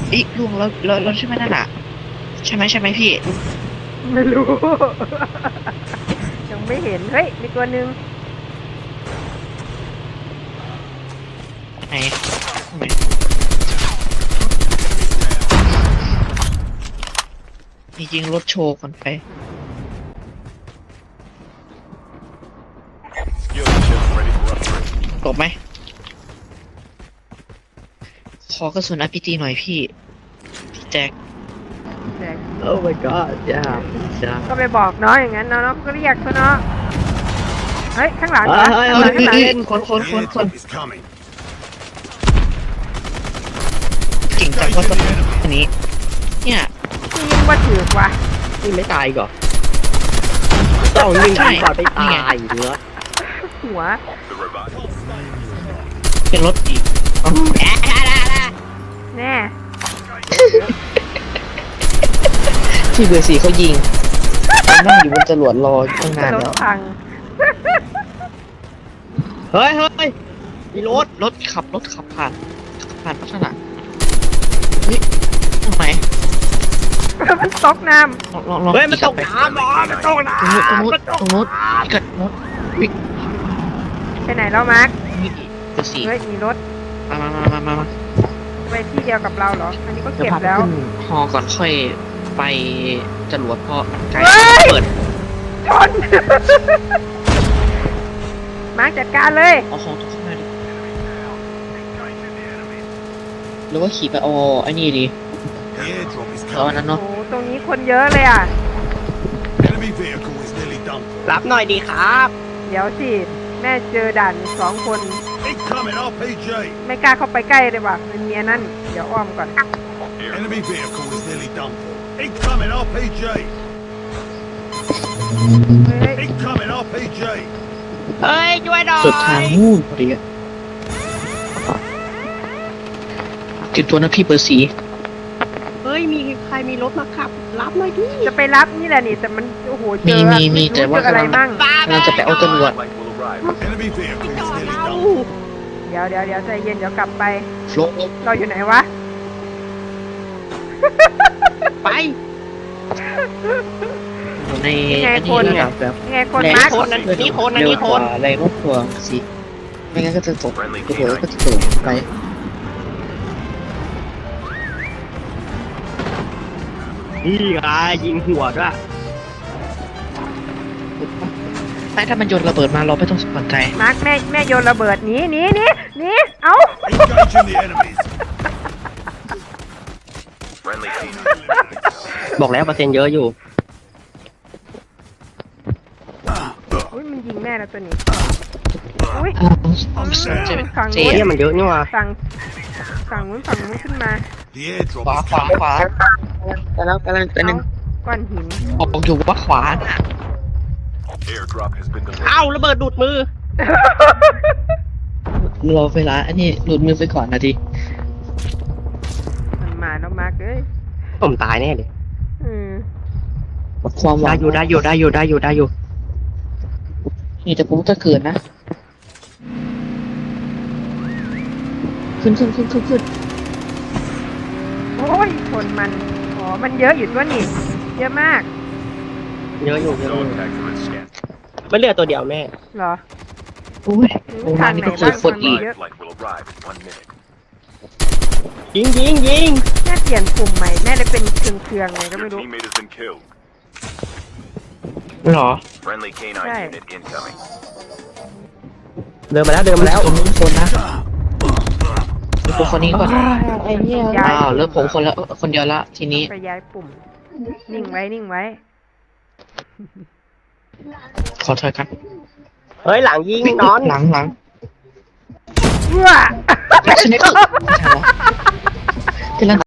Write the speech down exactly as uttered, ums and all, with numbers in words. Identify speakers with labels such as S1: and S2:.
S1: อีลุงแล้วแล้วแล้วใช่ไหมนั่นอ่ะใช่ไหมใช่ไหมพี่
S2: ไม่รู้ ยังไม่เห็นเฮ้ยมีตัวหนึ่ง
S1: ไหนไหนจริงๆรถโชว์ก่อนไปตบไหมขอกระสุน อาร์ พี จี หน่อยพี่พี่แจ็ค
S2: แจก
S3: Oh my god จ้าจ้า
S2: ก็ไปบอกน้องอย่างนั้นน้องก็เรียกเขาเนาะเฮ้ยข้างหลัง
S3: เฮ้
S2: นะ
S3: ยเฮ้ย
S2: ข้างหลังข้างหลัง
S1: เฮ้ยคนคนคนคนเก่งจังว่าตัวอันนี้เนี่ย
S2: ยิงว่าถือว่ะ
S3: นี่ไม่ตายก่อนต้องยิงก่อนไปตายเนื้อ
S2: หัว
S1: เป็นรถอีก
S2: แน่
S1: ที่เบอร์สี่เขายิงนั่งอยู่บนจรวดรอตั้งนาน
S2: รถ
S1: แล้ว
S2: พัง
S3: เฮ้ยเฮ้ยมีรถ
S1: รถขับรถขับผ่านผ่านลักษณะเฮ้ยตรงไหน
S2: มันตกน้
S1: ลองลองลอง
S3: เฮ้ยมันตกน้ำอ๋อมันตกน้ำ
S1: ตรงนู้นตรงนู้นพี่กัดนู้นวิ่ง
S2: ำไปไหนแล้วมาร์ค
S1: นี่เบอร์สี่
S2: เฮ้ยมีรถ
S1: มามามามามามา
S2: ไปที่เดียวกับเราเหรออันนี้ก็
S1: เดี๋ยว
S2: เก็บ
S1: พาไป
S2: แล้ว
S1: ขึ้นฮอก่อนค่อยไปจรวดเพราะใกล้
S2: เฮ้ย
S1: เปิด
S2: ชน มาร์คจัดการเลย
S1: เอาของตรงข้างหน้าดิหรือว่าขี่ไปเอาไอ้นี่ดีเอาอันนั้น
S2: โอ้
S1: เนาะ
S2: โหตรงนี้คนเยอะเลยอ่ะ
S3: รับหน่อยดีครับ
S2: เดี๋ยวสิ แม่เจอด่านสองคน ไม่กล้าเข้าไปใกล้เลยว่ะมันเมียนั่น เดี๋ยวอ้อมก่อน
S4: Enemy vehicle is nearly done for. Incoming อาร์ พี จี.
S2: เฮ้ย
S4: Incoming อาร์ พี จี.
S3: เฮ้ยช่วยหน่อย
S1: สุดทางนู่นพอดีอะติดตัวนะพี่เบอร์สี
S3: เฮ้ยมีใครมีรถมาขับรับหน่อยดิ
S2: จะไปรับนี่แหละนี่ แต่มัน โอ้โห เจ
S1: มี
S2: อ
S1: มีมีแต่
S2: รู้
S1: ว่า
S2: เจออะไร
S1: กำลัง
S2: มั่ง
S1: กำลังจะไปเอาจรวด
S4: Enemy vehicle is nearly done.
S2: เดี๋ยวเดี๋ยวเดี๋ยวใจเย็นเดี๋ยวกลับไป
S1: ลง
S2: เราอยู่ไหนวะ
S3: ไป
S1: ใน
S2: ยังไง
S1: อัน
S2: ค
S1: นี้
S2: น
S1: ระดับแบบ
S2: ยังไงคน
S1: แรง
S2: มาร์ค
S3: คนนั้นนี่คนนั้น
S1: เร็ว
S3: นี่
S1: ก
S3: ค
S1: ว่าน แรงรถทัวร์สิไม่งั้นก็จะตกกระโดดก็จะตกไป
S3: นี่ไงยิงหัวด้วย
S1: ไม่ถ้ามันโยนระเบิดมาเราไม่ต้องสนใจ
S2: มาร์คแม่แม่โยนระเบิดหนีหนีหนีหนีเอ้า
S4: Engaging the enemies.
S3: บอกแล้วเปอร์เซ็นต์เยอะอยู่
S2: อุ้ยมันยิงแม่แล้วตัวนี้ อุ้ย
S1: อ้าวไม่สนใจ
S2: ฝั่ง
S1: เจ๊
S2: นู้น
S3: เนี่ยมันเยอะนี่ว่ะ
S2: ฝั่งฝั่งนู้นฝั่งนู้นขึ้นมา
S4: The
S1: ขวา
S4: airdrop
S1: ขวา
S4: is
S1: ขวาแต่แล้วแต่แล้วแต่หนึ่ง
S2: ก้อนหิน
S1: บอกอยู่ว่าขวาน่ะ
S4: Airdrop has been delivered.
S3: เอ้าระเบิดดูดมือ
S1: รอเวลาอันนี้หลุดมือไปก่อนนะที
S2: มันมาแล้วมาร์คเอ้ย
S3: ผมตายแน่เลย
S2: อืม
S1: ความหวั
S3: ได้
S1: ง
S3: อยู่ได้อยู่ได้อยู่ได้อยู่ได้อยู่
S1: นี่แต่ผมจะเกิดนะ ขึ้นขึ้นขึ้นขึ้นขึ้น
S2: โอ้ยคนมัน อ๋อ มันเยอะอยู่ตัวนี่ เยอะมาก
S3: เยอะอยู่เยอะอยู่
S4: Dog tags have been scanned.
S3: มันเหลือตัวเดียวแม่
S2: เหรอ
S1: โอ้ยโรงงานนี่ก็เจอคนอีก
S4: Live flight will arrive in one minute.
S3: ยิงยิงยิง
S2: แม่เปลี่ยนกลุ่มใหม่ แม่เลยเป็นเครืองเครืองๆไงก็
S4: Your
S2: ไม่รู้
S4: teammate has been killed.
S1: หรอ
S4: Friendly canine
S2: Right.
S4: unit incoming.
S3: เดินมาแล้วเดินมาแล้ว
S1: ผมมีคนนะมีคนคนนี้ก่อนอ้าวเลิกผมคนละคนเดียวละทีนี้
S2: ไปย้ายปุ่ม นิ่งไว้ นิ่งไว้
S1: ขอถอยกัน
S3: เฮ้ยหลังยิงนอน
S1: หลังหลัง
S2: เพื่อ
S1: สเนปเปอร์ไม่ใช่แล้ว